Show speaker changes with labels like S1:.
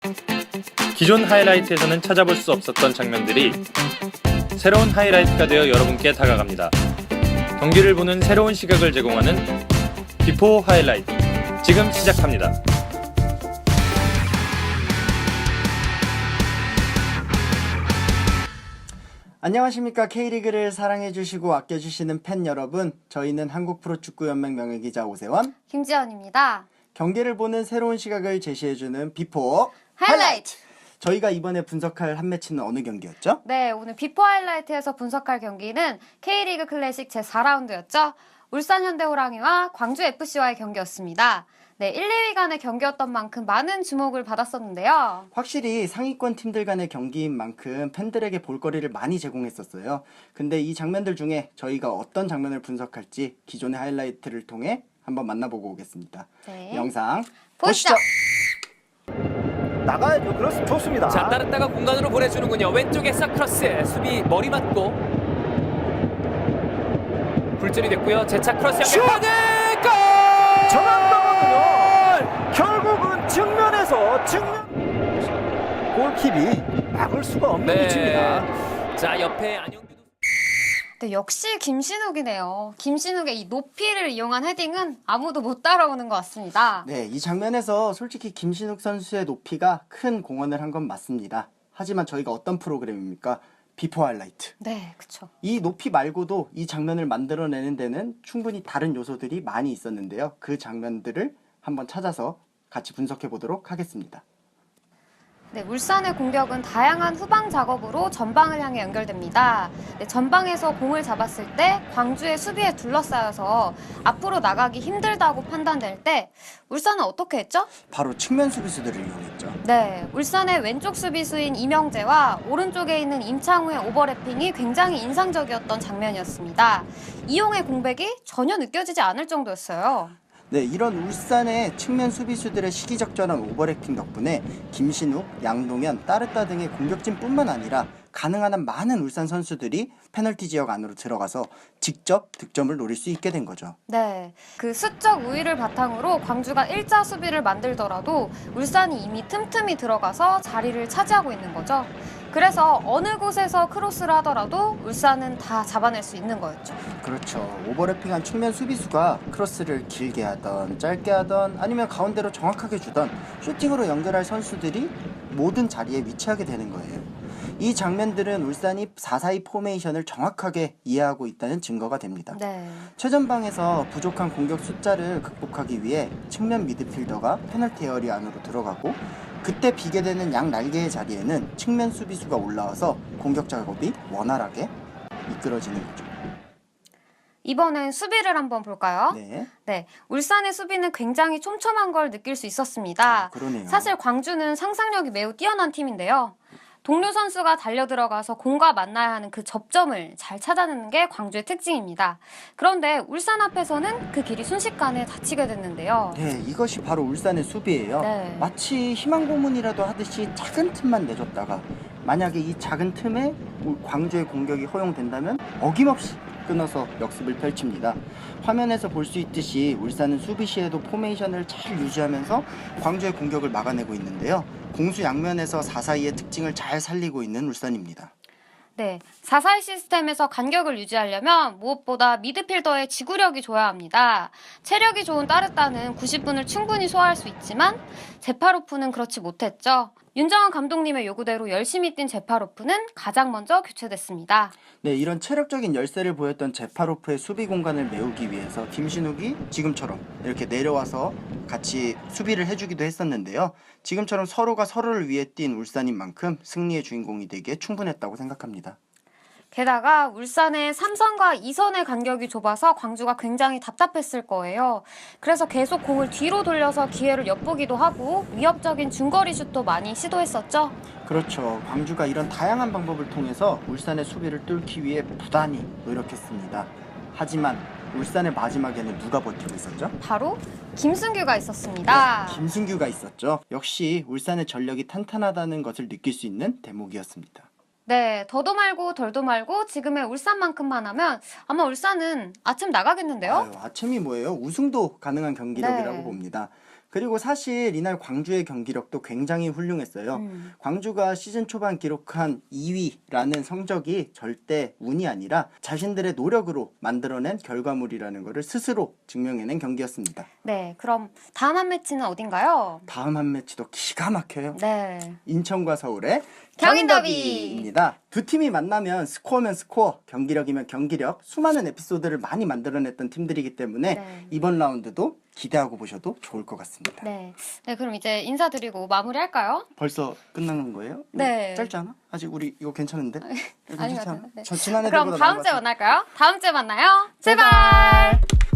S1: 기존 하이라이트에서는 찾아볼 수 없었던 장면들이 새로운 하이라이트가 되어 여러분께 다가갑니다. 경기를 보는 새로운 시각을 제공하는 비포 하이라이트 지금 시작합니다.
S2: 안녕하십니까. K리그를 사랑해주시고 아껴주시는 팬 여러분, 저희는 한국프로축구연맹 명예기자 오세원,
S3: 김지연입니다.
S2: 경기를 보는 새로운 시각을 제시해주는 비포
S3: 하이라이트!
S2: 저희가 이번에 분석할 한 매치는 어느 경기였죠?
S3: 네, 오늘 비포 하이라이트에서 분석할 경기는 K리그 클래식 제4라운드였죠. 울산 현대호랑이와 광주FC와의 경기였습니다. 네, 1, 2위 간의 경기였던 만큼 많은 주목을 받았었는데요.
S2: 확실히 상위권 팀들 간의 경기인 만큼 팬들에게 볼거리를 많이 제공했었어요. 근데 이 장면들 중에 저희가 어떤 장면을 분석할지 기존의 하이라이트를 통해 한번 만나보고 오겠습니다.
S3: 네.
S2: 영상
S3: 보시죠.
S4: 나가야죠. 그렇습니다. 좋습니다.
S5: 자, 따랐다가 공간으로 보내주는군요. 왼쪽에서 크로스, 수비 머리 맞고 굴절이 됐고요. 재차 크로스 연결하는 골!
S4: 전환당하면 결국은 정면 골킵이 막을 수가 없는 위치입니다.
S5: 자, 옆에 안영규도
S3: 네, 역시 김신욱이네요. 김신욱의 이 높이를 이용한 헤딩은 아무도 못 따라오는 것 같습니다.
S2: 네, 이 장면에서 솔직히 김신욱 선수의 높이가 큰 공헌을 한 건 맞습니다. 하지만 저희가 어떤 프로그램입니까? 비포 하이라이트.
S3: 네, 그쵸.
S2: 이 높이 말고도 이 장면을 만들어내는 데는 충분히 다른 요소들이 많이 있었는데요. 그 장면들을 한번 찾아서 같이 분석해 보도록 하겠습니다.
S3: 네, 울산의 공격은 다양한 후방 작업으로 전방을 향해 연결됩니다. 네, 전방에서 공을 잡았을 때 광주의 수비에 둘러싸여서 앞으로 나가기 힘들다고 판단될 때 울산은 어떻게 했죠?
S2: 바로 측면 수비수들을 이용했죠.
S3: 네, 울산의 왼쪽 수비수인 이명재와 오른쪽에 있는 임창우의 오버래핑이 굉장히 인상적이었던 장면이었습니다. 이용의 공백이 전혀 느껴지지 않을 정도였어요.
S2: 네, 이런 울산의 측면 수비수들의 시기적절한 오버래핑 덕분에 김신욱, 양동현, 따르따 등의 공격진뿐만 아니라 가능한 한 많은 울산 선수들이 페널티 지역 안으로 들어가서 직접 득점을 노릴 수 있게 된 거죠.
S3: 네, 그 수적 우위를 바탕으로 광주가 일자 수비를 만들더라도 울산이 이미 틈틈이 들어가서 자리를 차지하고 있는 거죠. 그래서 어느 곳에서 크로스를 하더라도 울산은 다 잡아낼 수 있는 거였죠.
S2: 그렇죠. 오버래핑한 측면 수비수가 크로스를 길게 하던 짧게 하던 아니면 가운데로 정확하게 주던 슈팅으로 연결할 선수들이 모든 자리에 위치하게 되는 거예요. 이 장면들은 울산이 4-4-2 포메이션을 정확하게 이해하고 있다는 증거가 됩니다.
S3: 네.
S2: 최전방에서 부족한 공격 숫자를 극복하기 위해 측면 미드필더가 페널티 에어리 안으로 들어가고 그때 비게 되는 양 날개의 자리에는 측면 수비수가 올라와서 공격 작업이 원활하게 이끌어지는 거죠.
S3: 이번엔 수비를 한번 볼까요?
S2: 네.
S3: 네, 울산의 수비는 굉장히 촘촘한 걸 느낄 수 있었습니다.
S2: 그러네요.
S3: 사실 광주는 상상력이 매우 뛰어난 팀인데요. 동료 선수가 달려 들어가서 공과 만나야 하는 그 접점을 잘 찾아내는 게 광주의 특징입니다. 그런데 울산 앞에서는 그 길이 순식간에 닫히게 됐는데요.
S2: 네, 이것이 바로 울산의 수비예요.
S3: 네.
S2: 마치 희망 고문이라도 하듯이 작은 틈만 내줬다가 만약에 이 작은 틈에 광주의 공격이 허용된다면 어김없이 끊어서 역습을 펼칩니다. 화면에서 볼 수 있듯이 울산은 수비 시에도 포메이션을 잘 유지하면서 광주의 공격을 막아내고 있는데요. 공수 양면에서 4-4-2의 특징을 잘 살리고 있는 울산입니다.
S3: 네, 4-4-2 시스템에서 간격을 유지하려면 무엇보다 미드필더의 지구력이 좋아야 합니다. 체력이 좋은 따르따는 90분을 충분히 소화할 수 있지만 제파로프는 그렇지 못했죠. 윤정환 감독님의 요구대로 열심히 뛴 제파로프는 가장 먼저 교체됐습니다.
S2: 네, 이런 체력적인 열세를 보였던 제파로프의 수비 공간을 메우기 위해서 김신욱이 지금처럼 이렇게 내려와서 같이 수비를 해주기도 했었는데요. 지금처럼 서로가 서로를 위해 뛴 울산인 만큼 승리의 주인공이 되기에 충분했다고 생각합니다.
S3: 게다가 울산의 3선과 2선의 간격이 좁아서 광주가 굉장히 답답했을 거예요. 그래서 계속 공을 뒤로 돌려서 기회를 엿보기도 하고 위협적인 중거리 슛도 많이 시도했었죠.
S2: 그렇죠. 광주가 이런 다양한 방법을 통해서 울산의 수비를 뚫기 위해 부단히 노력했습니다. 하지만 울산의 마지막에는 누가 버티고 있었죠?
S3: 바로 김승규가 있었습니다.
S2: 김승규가 있었죠. 역시 울산의 전력이 탄탄하다는 것을 느낄 수 있는 대목이었습니다.
S3: 네, 더도 말고 덜도 말고 지금의 울산만큼만 하면 아마 울산은 아침 나가겠는데요?
S2: 아침이 뭐예요? 우승도 가능한 경기력이라고
S3: 네.
S2: 봅니다. 그리고 사실 이날 광주의 경기력도 굉장히 훌륭했어요. 광주가 시즌 초반 기록한 2위라는 성적이 절대 운이 아니라 자신들의 노력으로 만들어낸 결과물이라는 것을 스스로 증명해낸 경기였습니다.
S3: 네, 그럼 다음 한 매치는 어딘가요?
S2: 다음 한 매치도 기가 막혀요.
S3: 네.
S2: 인천과 서울의
S3: 경인
S2: 경인더비입니다. 두 팀이 만나면 스코어면 스코어, 경기력이면 경기력, 수많은 에피소드를 많이 만들어냈던 팀들이기 때문에
S3: 네.
S2: 이번 라운드도 기대하고 보셔도 좋을 것 같습니다.
S3: 네. 네, 그럼 이제 인사드리고 마무리할까요?
S2: 벌써 끝나는 거예요?
S3: 네.
S2: 짧지 않아? 아직 우리 이거 괜찮은데? 이거
S3: 아닌 것
S2: 괜찮지 않아?
S3: 같은데.
S2: 저 지난해들보다
S3: 그럼
S2: 나은
S3: 다음
S2: 것
S3: 주에
S2: 같아.
S3: 만날까요? 다음 주에 만나요. 제발.